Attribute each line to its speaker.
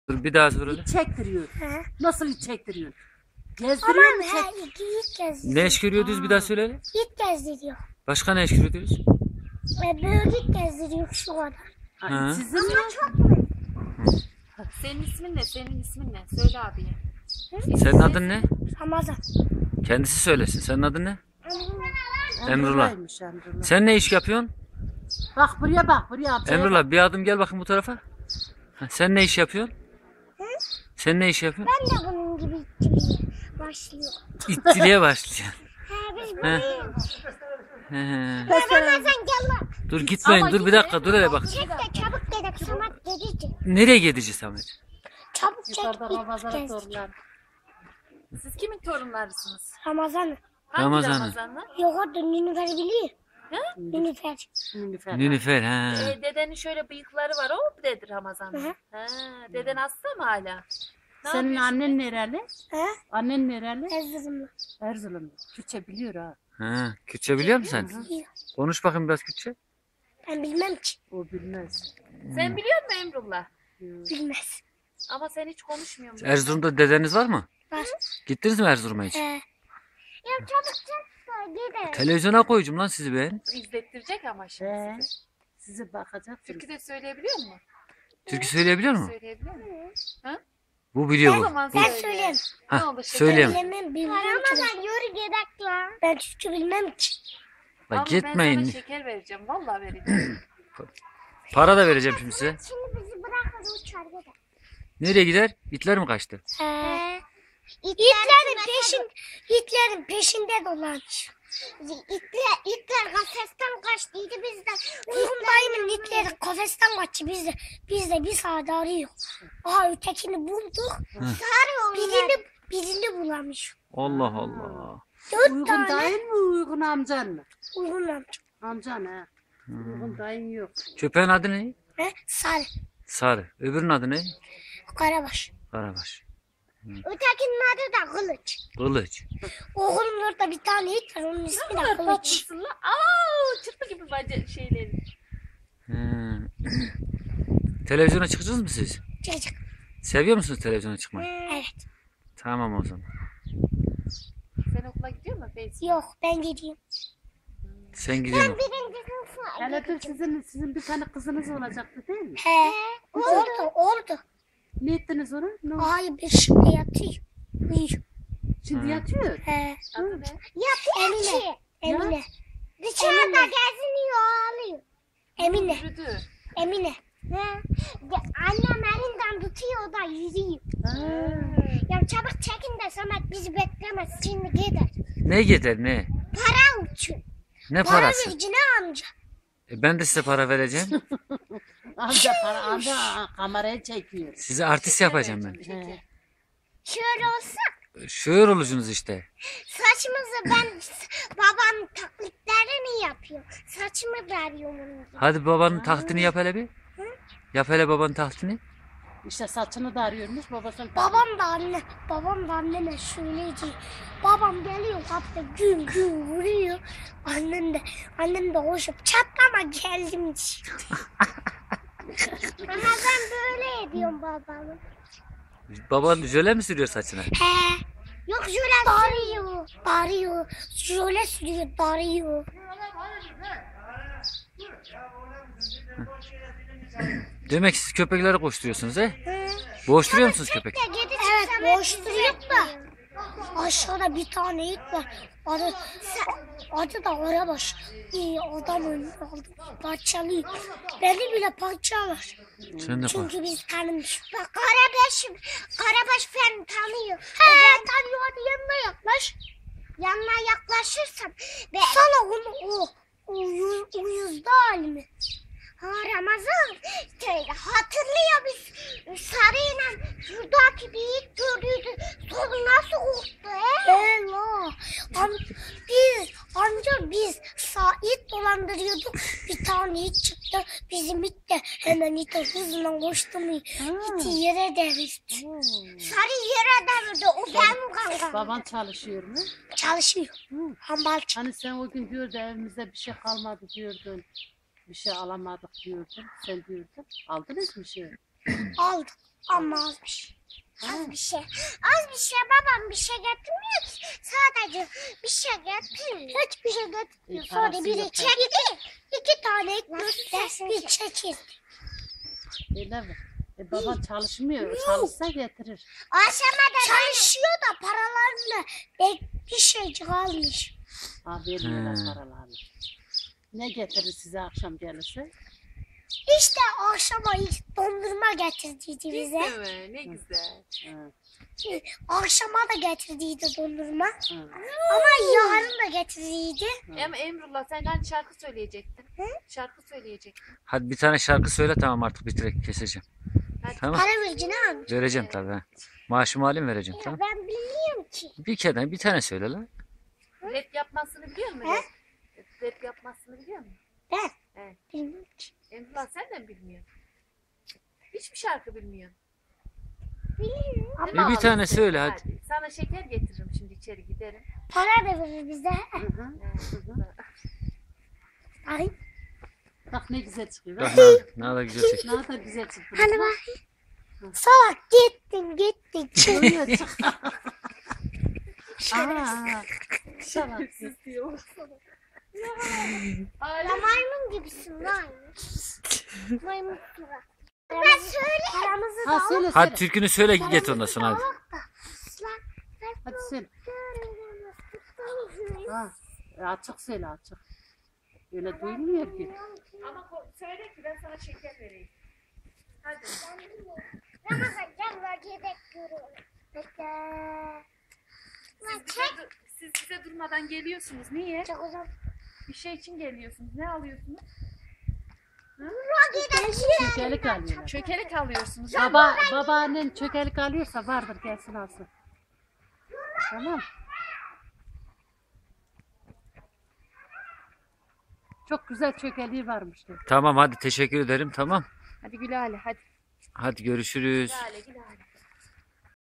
Speaker 1: Dur bir daha söyle.
Speaker 2: İç çektiriyor.
Speaker 3: He.
Speaker 2: Nasıl iç çektiriyor? Gezdiriyor mu
Speaker 3: Tamam
Speaker 2: çek?
Speaker 3: ilk gezdiriyor.
Speaker 1: Ne iş görüyordunuz bir daha söyle.
Speaker 3: İlk gezdiriyor.
Speaker 1: Başka ne iş görüyordunuz?
Speaker 3: Böyle gezdiriyor şu kadar.
Speaker 1: Ha.
Speaker 2: Sizin mi?
Speaker 4: Senin ismin ne? Senin ismin ne? Söyle abiye.
Speaker 1: Senin adın ne?
Speaker 3: Ramazan.
Speaker 1: Kendisi söylesin. Senin adın ne? Emrullah.
Speaker 2: Emrullah'ymış, Emrullah.
Speaker 1: Sen ne iş yapıyorsun?
Speaker 2: Bak buraya bak buraya amcaya.
Speaker 1: Emrullah bir adım gel bakayım bu tarafa. Ha, sen ne iş yapıyorsun? Sen ne iş yapıyorsun?
Speaker 3: Ben de bunun gibi ittirmeye başlıyorum.
Speaker 1: İttiliğe başlayacaksın.
Speaker 3: He biz
Speaker 1: He.
Speaker 3: buradayım.
Speaker 1: He, he.
Speaker 3: Ramazan gel lan.
Speaker 1: Dur gitmeyin dur bir dakika dur hele bak.
Speaker 3: Çek de çabuk gidelim. Samat gelici.
Speaker 1: Nereye gideceğiz Samet?
Speaker 3: Çabuk çek
Speaker 2: Yukarıda
Speaker 3: ilk
Speaker 2: Ramazan'a
Speaker 3: gezdir.
Speaker 2: torunlar.
Speaker 4: Siz kimin torunlarısınız?
Speaker 3: Ramazan'ı.
Speaker 4: Hangi
Speaker 1: Ramazan'ı.
Speaker 4: Ramazan'ı?
Speaker 3: Yok orada Nilüfer biliyor.
Speaker 4: He?
Speaker 3: Nilüfer.
Speaker 2: Nilüfer.
Speaker 1: Nilüfer ha.
Speaker 4: Dedenin şöyle bıyıkları var. O mu dedi Ramazan'da?
Speaker 3: Hı.
Speaker 4: Ha, deden hasta mı hala? Ne
Speaker 2: Senin
Speaker 4: yapıyorsun?
Speaker 2: annen nereli?
Speaker 3: He?
Speaker 2: Annen nereli?
Speaker 3: Erzurumlu.
Speaker 2: Erzurumlu. Türkçe biliyor ha.
Speaker 1: Ha. Kürtçe biliyor musun sen?
Speaker 3: Biliyor.
Speaker 1: Konuş bakayım biraz Kürtçe.
Speaker 3: Ben bilmem ki.
Speaker 2: O bilmez.
Speaker 4: Sen biliyor musun Emrullah?
Speaker 3: Bilmez.
Speaker 4: Ama sen hiç konuşmuyorsun.
Speaker 1: Erzurum'da dedeniz var mı?
Speaker 3: Var.
Speaker 1: Gittiniz mi Erzurum'a hiç?
Speaker 3: He. Ya çabuk çek de gidelim.
Speaker 1: Televizyona koyacağım lan sizi ben.
Speaker 4: İzlettirecek ama şimdi
Speaker 2: He.
Speaker 4: sizi.
Speaker 2: Sizi bakacak.
Speaker 4: Türkü de söyleyebiliyor mu?
Speaker 1: Türkü söyleyebiliyor mu?
Speaker 4: Söyleyebiliyor mu?
Speaker 1: Bu biliyor
Speaker 4: O
Speaker 1: bu.
Speaker 4: zaman
Speaker 3: Ben
Speaker 4: söyle.
Speaker 3: söyleyeyim.
Speaker 4: Ne
Speaker 1: Hah,
Speaker 4: olur
Speaker 1: söyleyeyim.
Speaker 3: Bilemem bilmem ki. Ramazan yürü gidelim lan. Ben Türkçe bilmem ki.
Speaker 1: Bak
Speaker 4: Ama ben
Speaker 1: gitmeyin.
Speaker 4: sana şeker vereceğim. Vallahi vereceğim.
Speaker 1: Para da vereceğim şimdi size.
Speaker 3: Şimdi bizi bırakır uçar gider.
Speaker 1: Nereye gider? İtler mi kaçtı?
Speaker 3: Hitler'in peşinde dolanıyor. Hitler kafesten kaçtıydı biz de. Uygun dayımın Hitler'in kafesten kaçtı biz de bir saat arıyor. Aha ötekini bulduk. Birini bulamış.
Speaker 1: Allah Allah.
Speaker 3: Dört
Speaker 2: Uygun
Speaker 3: tane
Speaker 2: dayın mı uygun amcan mı?
Speaker 3: uygun amca.
Speaker 2: Amcan ha. Uygun dayın yok.
Speaker 1: Köpeğin adı ne?
Speaker 3: He? Sarı.
Speaker 1: Sarı. Öbürünün adı ne?
Speaker 3: Karabaş.
Speaker 1: Karabaş.
Speaker 3: Ötekinin adı da Kılıç.
Speaker 1: Kılıç.
Speaker 3: Oğlum orada bir tane it var onun ismi de
Speaker 4: kadar
Speaker 3: Kılıç.
Speaker 4: tatlısın lan. Aa, çırpı gibi bence şeyleri.
Speaker 1: He. Televizyona çıkacağız mı siz?
Speaker 3: Çocuk.
Speaker 1: Seviyor musunuz televizyona çıkmayı?
Speaker 3: Evet.
Speaker 1: Tamam o zaman.
Speaker 4: Sen okula gidiyor musun Feyzi?
Speaker 3: Yok ben gideyim.
Speaker 1: Sen gidiyorsun.
Speaker 3: Birinci sınıfa.
Speaker 2: Hele dur sizin bir tane kızınız olacaktı değil mi?
Speaker 3: He. Oldu.
Speaker 2: Ne ettiniz onu? Ne oldu?
Speaker 3: Ay bir şimdi yatıyor. Uyuyor.
Speaker 2: Şimdi yatıyor.
Speaker 3: He.
Speaker 4: Adı ne?
Speaker 3: Emine. Dışarıda geziniyor ağlıyor. Emine.
Speaker 4: Yürüdü.
Speaker 3: Emine. He. Annem elinden tutuyor o da yürüyor. Ya çabuk çekin de Samet bizi beklemez. Şimdi gider.
Speaker 1: Ne gider ne?
Speaker 3: Para uçuyor.
Speaker 1: Ne
Speaker 3: Para
Speaker 1: parası?
Speaker 3: vericine amca.
Speaker 1: Ben de size para vereceğim.
Speaker 2: Amca kamerayı çekiyor.
Speaker 1: Size artist yapacağım ben.
Speaker 2: He.
Speaker 3: Şöyle olsa
Speaker 1: Şöyle olursunuz işte.
Speaker 3: saçımızı babam taklitlerini yapıyor. Saçımı veriyorum onun.
Speaker 1: Hadi babanın taklidini yap hele bir. Yap hele babanın taklidini.
Speaker 2: İşte saçını da arıyormuş babasının.
Speaker 3: Babam da anneme söyleyecek. Babam geliyor kapıda gün gün vuruyor. Annem de koşup çatlama geldim diyor. Ama ben böyle ediyorum babamı.
Speaker 1: Baban jöle mi sürüyor saçına?
Speaker 3: He. Yok jöle sürüyor. Bağırıyor. Jöle sürüyor. Bağırıyor.
Speaker 1: Demek siz köpekleri koşturuyorsunuz he?
Speaker 3: He.
Speaker 1: Boğuşturuyor musunuz köpek?
Speaker 3: Evet boş duruyor da. Aşağıda bir tane it var. Adı da Karabaş. Adam önüne aldı. Parçalıyor. Beni bile parçalar.
Speaker 1: Sen de
Speaker 3: Çünkü biz tanımış. Bak Karabaş beni tanıyor. He tanıyor hadi yanına yaklaş. Yanına yaklaşırsan. Sana o uyuzda halimi. Ha Ramazan hatırlıyor biz sarıyla şuradaki bir it gördüydü. Sonra nasıl korktu biz it dolandırıyorduk. Bir tane it çıktı. Bizim it de hemen ite hızla koştu mu? İti yere devirdi. Sarı yere devirdi. O benim kankam.
Speaker 2: Baban çalışıyor mu?
Speaker 3: Çalışıyor. Hambalcı.
Speaker 2: Hani sen o gün diyordun evimizde bir şey kalmadı diyordun. Bir şey alamadık diyordun. Sen diyordun. Aldınız mı şey?
Speaker 3: Aldık. Ama az bir şey. Az bir şey. Az bir şey. Babam bir şey getirmiyor ki. Sadece bir şey getirmiyor. Hiçbir şey getirmiyor. Sonra
Speaker 2: parası
Speaker 3: biri
Speaker 2: yok.
Speaker 3: çekti. 2 tane ekmek bir çekildi.
Speaker 2: Öyle mi? Baban çalışmıyor. Çalışsa getirir.
Speaker 3: Aşama da çalışıyor da paralarını bir şeycik almış.
Speaker 2: Ha vermiyorlar paralarını. Ne getirir size akşam gelirse?
Speaker 3: İşte akşama ilk dondurma getirdiydi bize.
Speaker 4: Değil mi? Ne güzel.
Speaker 2: Ha,
Speaker 3: Akşama da getirdiydi dondurma.
Speaker 2: ha.
Speaker 3: Ama yarın da getirdiydi.
Speaker 4: Ama Emrullah sen hani şarkı söyleyecektin. Şarkı söyleyecektin.
Speaker 1: Hadi bir tane şarkı söyle, tamam artık bitirek keseceğim.
Speaker 4: Hadi.
Speaker 1: Tamam.
Speaker 3: Para vereceğini almış.
Speaker 1: Vereceğim tabii. Ha. Maaşımı alayım, vereceğim, tamam.
Speaker 3: Ben bilmiyorum ki.
Speaker 1: Bir tane söyle lan.
Speaker 4: Rap yapmasını biliyor musun?
Speaker 3: He?
Speaker 4: Rap yapmasını biliyor musun?
Speaker 3: Ben
Speaker 4: Evet.
Speaker 3: bilmiyorum ki.
Speaker 4: Emrullah sen de mi bilmiyorsun? Hiçbir şarkı bilmiyorsun.
Speaker 3: Biliyorum.
Speaker 1: Bir
Speaker 4: Ama
Speaker 1: tane
Speaker 4: ağlasın.
Speaker 1: söyle hadi.
Speaker 4: Sana şeker getiririm şimdi içeri giderim.
Speaker 3: Para da verir bize.
Speaker 2: Hı hı.
Speaker 3: Ay.
Speaker 2: Bak ne güzel çıkıyor.
Speaker 1: Bak
Speaker 2: Bak,
Speaker 1: ne kadar güzel çek.
Speaker 2: ne kadar güzel çıkıyor.
Speaker 3: Hadi bak. Salak gittin.
Speaker 2: Çıkıyor çık. Aa, şalaksız.
Speaker 3: Ya maymun gibisin lan. Maymun gibi. Ben söyle. Paramızı da
Speaker 2: Ha
Speaker 3: al.
Speaker 2: söyle
Speaker 1: Hadi
Speaker 2: söyle.
Speaker 1: türkünü söyle git ondan sonra hadi.
Speaker 2: Hadi söyle. Ha, açık söyle açık. Öyle duyulmuyor ki.
Speaker 4: Ama söyle ki ben sana şeker vereyim. Hadi.
Speaker 3: Ramazan gel vakit görüyorum. Bekle.
Speaker 4: Siz bize durmadan geliyorsunuz. Niye?
Speaker 3: Çok uzun.
Speaker 4: Bir şey için geliyorsunuz. Ne alıyorsunuz?
Speaker 2: Çökelik alıyorlar.
Speaker 4: Çökelek alıyorsunuz.
Speaker 2: Babaannen çökelik alıyorsa vardır gelsin alsın. Tamam. Çok güzel çökeliği varmıştı.
Speaker 1: Tamam hadi, teşekkür ederim, tamam.
Speaker 4: Hadi Gülale hadi.
Speaker 1: Hadi görüşürüz.
Speaker 4: Gülale Gülale.